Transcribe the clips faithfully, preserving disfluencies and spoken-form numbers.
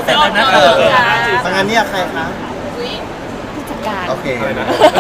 เสร็จแล้วนะเออทางานเนี่ยใครคะผู้จัดการโอเคนะ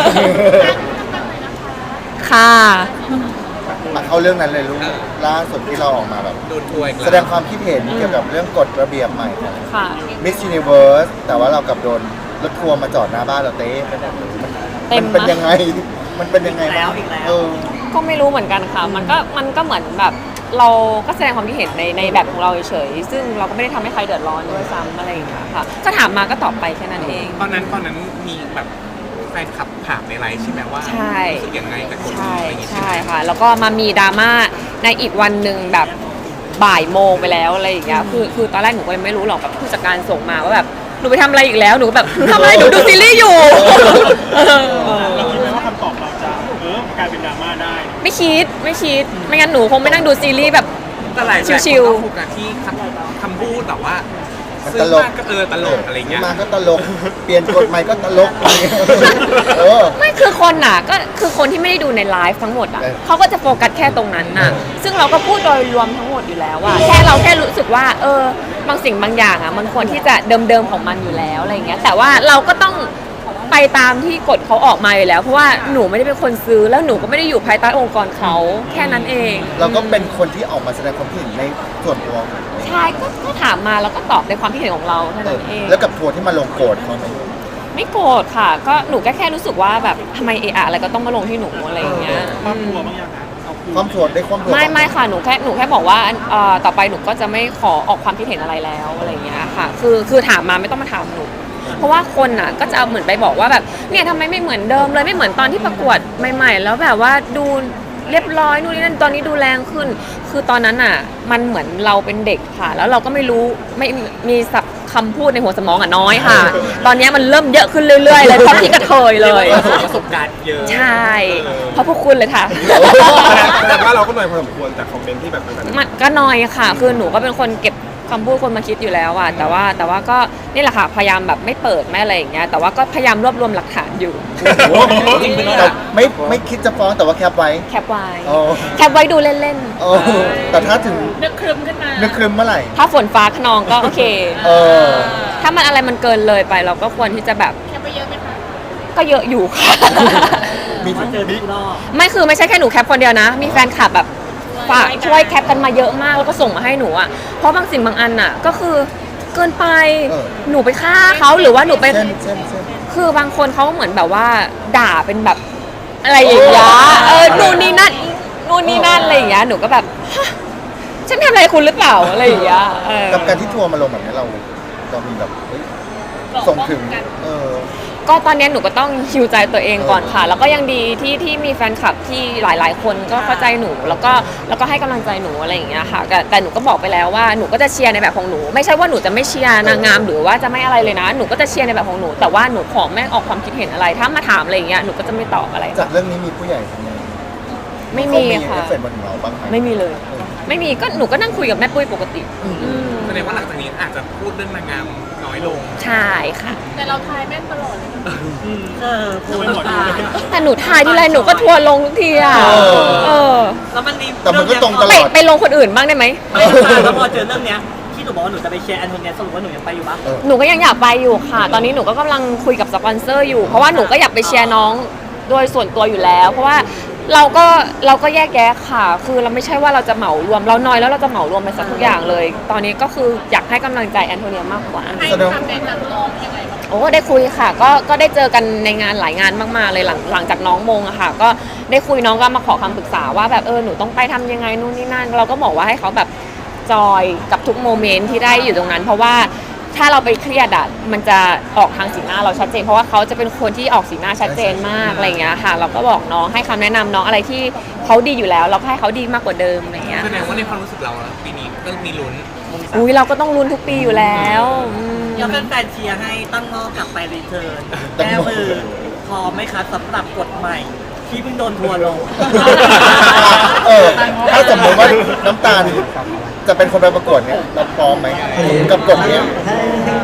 ค่ะมาเข้าเรื่องนั้นเลยลูกล่าสุดที่เราออกมาแบบโดนทัวร์อีกแสแล้วดงความคิดเห็นเกี่ยวกับเรื่องกฎระเบียบใหม่ของค่ะ Miss Universe แต่ว่าเรากลับโดนรถทัวร์มาจอดหน้าบ้านเราเต้ไปหมดเลยเต็มัมนเป็นนะยังไง มันเป็นยังไงบ้างเออก็ไม่รู้เหมือนกันค่ะ มันก็มันก็เหมือนแบบเราก็แสดงความคิดเห็นในในแบบของเราเฉยๆซึ่งเราก็ไม่ได้ทำให้ใครเดือดร้อนด้วยซ้ำอะไรอย่างเงี้ยค่ะ ก็ถามมาก็ตอบไปแค่นั้นเองตอนนั้นตอนนั้นมีแบบแฟนคลับถามในไลฟ์ใช่ไหมว่าใช่รู้สึกยังไงกับคนใช่นี้อะไรอย่างเงี้ยใช่ค่ะ แล้วก็มามีดราม่าในอีกวันหนึ่งแบบบ่ายโมงไปแล้วอะไรอย่างเงี้ยคือคือตอนแรกหนูก็ยังไม่รู้หรอกแบบผู้จัดการส่งมาว่าแบบหนูไปทำอะไรอีกแล้วหนูแบบหนูทำอะไรหนูดูซีรีส์อยู่เราคิดไหมว่าคำตอบเราจะเออกลายเป็นดราม่าได้ไม่คิดไม่คิดไม่งั้นหนูคงไม่นั่งดูซีรีส์แบบแต่หลายชิวๆๆคนก็โฟกัสที่คำคำพูดแบบว่ามันซื้ตอลกมากก็เออตลกอะไรเงี้ยมาก็ตลก เปลี่ยนกฎใหม่ก็ตลกเออไม่คือคนน่ะก็คือคนที่ไม่ได้ดูในไลฟ์ทั้งหมดอ่ะเออเขาก็จะโฟกัสแค่ตรงนั้นน่ะซึ่งเราก็พูดโดยรวมทั้งหมดอยู่แล้วว่าแค่เราแค่รู้สึกว่าเออบางสิ่งบางอย่างอ่ะมันควรที่จะเดิมๆของมันอยู่แล้วอะไรอย่างเงี้ยแต่ว่าเราก็ต้องไปตามที่กฎเขาออกมาอยู่แล้วเพราะว่าหนูไม่ได้เป็นคนซื้อแล้วหนูก็ไม่ได้อยู่ภายใต้องค์กรเขาแค่นั้นเองเราก็เป็นคนที่ออกมาแสดงความคิดเห็นในส่วนตัวของเราใช่ก็ก็ถามมาแล้วก็ตอบในความคิดเห็นของเราเท่าเอนั้อนเองแล้วกับทัวร์ที่มาลงโกรธเขาไหมไม่โกรธค่ะ ก็หนูก็แค่รู้สึกว่าแบบทำไมเอะอะอะไรก็ต้องมาลงที่หนูอะไรอย่างเงี้ยความกลัวบางอย่างนะเอาคืนความทัวร์ได้ความทัวร์ไม่ไม่ค่ะหนูแค่หนูแค่บอกว่าเอ่อต่อไปหนูก็จะไม่ขอออกความคิดเห็นอะไรแล้วอะไรอย่างเงี้ยค่ะ คือคือถามมาไม่ต้องมาถามหนู เพราะว่าคนอ่ะก็จะเอาเหมือนไปบอกว่าแบบเนี่ยทำไมไม่เหมือนเดิมเลยไม่เหมือนตอนที่ประกวดใหม่ๆ แล้วแบบว่าดูเรียบร้อยนู่นนี่นั่นตอนนี้ดูแรงขึ้น คือตอนนั้นอ่ะมันเหมือนเราเป็นเด็กค่ะ แล้วเราก็ไม่รู้ไม่มีศัพท์คำพูดในหัวสมองอ่ะน้อยค่ะ ตอนนี้มันเริ่มเยอะขึ้นเรื่อยๆเลยเพราะพี่กระเทยเลยประสบการณ์เยอะใช่เพราะพวกคุณเลยค่ะแต่ว่าเราก็หน่อยพอสมควรจากคอมเมนต์ที่แบบนั้นมันก็น้อยค่ะ คือหนูก็เป็นคนเก็บคำพูดคนมาคิดอยู่แล้วอะแต่ว่าแต่ว่าก็นี่แหละค่ะพยายามแบบไม่เปิดไม่อะไรอย่างเงี้ยแต่ว่าก็พยายามรวบรวมหลักฐานอยู่แต่ไม่ไม่คิดจะฟ้องแต่ว่าแคปไว้แคปไว้โอ้แคปไว้ดูเล่นโอ้แต่ถ้าถึงนึกครึมขึ้นมานึกครึมเมื่อไหร่ๆ ถ้าฝนฟ้าขนองก็โอเคเออถ้ามันอะไรมันเกินเลยไปเราก็ควรที่จะแบบแค่ไปเยอะไหมคะก็เยอะอยู่ค่ะมีเจอทุกรอบไม่คือไม่ใช่แค่หนูแคปคนเดียวนะ มีแฟนคลับแบบฝากช่วยแคปกันมาเยอะมากแล้วก็ส่งมาให้หนูอ่ะเพราะบางสิ่งบางอันอ่ะก็คือเกินไปหนูไปฆ่าเขาหรือว่าหนูไปเช่นเช่นเช่นคือบางคนเขาเหมือนแบบว่าด่าเป็นแบบอะไรอย่างเงี้ยเออนู่นนี่นั่นนู่นนี่นั่นอะไรอย่างเงี้ยหนูก็แบบฮะฉันทำอะไรคุณหรือเปล่าอะไรอย่างเงี้ยเออกับการที่ทัวร์มาลงแบบนี้เราเรามีแบบเฮ้ยส่งถึงเออก็ตอนนี้หนูก็ต้องฮิวใจตัวเองก่อนค่ะ แล้วก็ยังดีที่ที่มีแฟนคลับที่หลาย ๆ คนก็เข้าใจหนูแล้วก็แล้วก็ให้กำลังใจหนูอะไรอย่างเงี้ยค่ะแต่แต่หนูก็บอกไปแล้วว่าหนูก็จะเชียร์ในแบบของหนูไม่ใช่ว่าหนูจะไม่เชียร์นางงามหรือว่าจะไม่อะไรเลยนะหนูก็จะเชียร์ในแบบของหนูแต่ว่าหนูขอไม่ออกความคิดเห็นอะไร ถ้ามาถามอะไรอย่างเงี้ยหนูก็จะไม่ตอบอะไรจากเรื่องนี้มีผู้ใหญ่ทำไงไม่เขามีมีค่ะเอฟเฟกต์บนเราบ้างไหมไม่มีเลย ไม่มีก็หนูก็นั่งคุยกับแม่ปุ้ยปกติอืมแสดงว่าหลังจากนี้อาจจะพูดเรื่องนางงามน้อยลงใช่ค่ะแต่เราทายแม่นตลอดเลยนะเออพูดหมดเลยแต่หนูทายที่ไรหนูก็ทัวร์ลงทุกทีอ่ะเออแล้วมันมีแต่มันก็ตรงตลไปอดไปลงคนอื่นบ้างได้ไหมไม่ค่ะแล้วพอเจอเรื่องเนี้ยที่หนูบอกว่าหนูจะไปเชียร์แอนโทเนียสรุปว่าหนูยังไปอยู่ปะเออหนูก็ยังอยากไปอยู่ค่ะ ตอนนี้หนูก็กำลังคุยกับสปอนเซอร์อยู่ เพราะว่าหนูก็อยากไปเชียร์น้องโดยส่วนตัวอยู่แล้ว เพราะว่าเราก็เราก็แยกแยะค่ะ คือเราไม่ใช่ว่าเราจะเหมารวมเราน้อยแล้วเราจะเหมารวมไปสักทุกอย่างเลย ตอนนี้ก็คืออยากให้กำลังใจแอนโทเนียมากกว่าให้แสดงทำในนักร้องยังไงบ้างโอ้ได้คุยค่ะก็ก็ได้เจอกันในงานหลายงานมากๆเลยหลังหลังจากน้องมงอะค่ะ ก็ได้คุยน้องก็มาขอคำปรึกษาว่าแบบเออหนูต้องไปทำยังไงนู่นนี่นั่นเราก็บอกว่าให้เขาแบบจอยกับทุกโมเมนต์ที่ได้อยู่ตรงนั้น เพราะว่าถ้าเราไปเครียดอะมันจะออกทางสีหน้าเราชัดเจนเพราะว่าเขาจะเป็นคนที่ออกสีหน้าชัดเจนมากอะไรอย่างเงี้ยค่ะ เราก็บอกน้องให้คำแนะนำน้องอะไรที่เขาดีอยู่แล้ว เราก็ให้เขาดีมากกว่าเดิมอะไรอย่างเงี้ยแสดงว่าในความรู้สึกเราอะปีนี้ก็มีลุ้นอุ้ยเราก็ต้องลุ้นทุกปีอยู่แล้วอืมยังเป็นแฟนเชียร์ให้ตั้งงอกลับไปรีเทิร์นแก้มือพร้อมไหมคะสำหรับกฎใหม่ ที่เพิ่งโดนทัวร์ลงเออถ้าสมมติว่าน้ำตาลจะเป็นคนไปประกวดเนี่ยเราพร้อมไหมกับกฎเนี้ยอ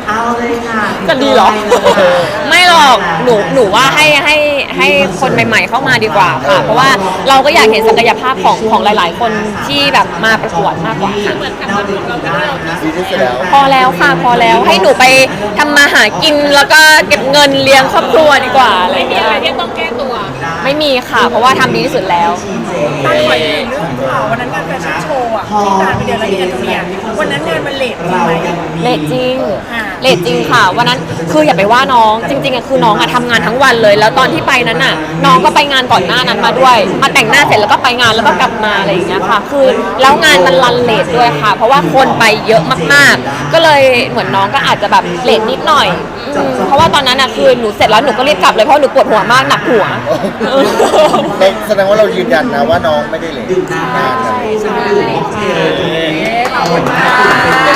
เอาเลยค่ะจะดีเหรอ ไม่หรอกหนูหนูว่าให้ให้ให้คนใหม่ๆเข้ามาดีกว่าค่ะ เพราะว่าเราก็อยากเห็นศักยภาพของของหลาย ๆ คนที่แบบมาประกวดมากกว่าค่ะเหมือนกับว่าของเราที่เราที่ดีที่สุดแล้วพอแล้วค่ะพอแล้วให้หนูไปทำมาหากินแล้วก็เก็บเงินเลี้ยงครอบครัวดีกว่าอะไรไม่มีเงี้ยอะไรที่ต้องแก้ตัวไม่มีค่ะ เพราะว่าทำดีที่สุดแล้วตั้งไว้เรื่องข่าววันนั้นงานแฟชั่นโชว์อ่ะที่ตาลไปเดินแล้วที่แอนโทเนียวันนั้นงานมันเลทจริงไหมเลทจริงอ่าเลทจริงค่ะวันนั้นคืออย่าไปว่าน้องจริงๆอะคือน้องอะทำงานทั้งวันเลย แล้วตอนที่ไปนั้นน่ะ น้องก็ไปงานก่อนหน้านั้นมาด้วย มาแต่งหน้าเสร็จแล้วก็ไปงานแล้วก็กลับมาอะไรอย่างเงี้ยค่ะ คือแล้วงานมันรันเลทด้วยค่ะ เพราะว่าคนไปเยอะมากๆ ก็เลยเหมือนน้องก็อาจจะแบบเลทนิดหน่อยอืมเพราะว่าตอนนั้นอะคือหนูเสร็จแล้วหนูก็รีบกลับเลยเพราะหนูปวดหัวมากหนักหัวเราแสดงว่าเรายืนยันนะว่าน้องไม่ได้เลยงานนั้นใช่ขอบคุณค่ะ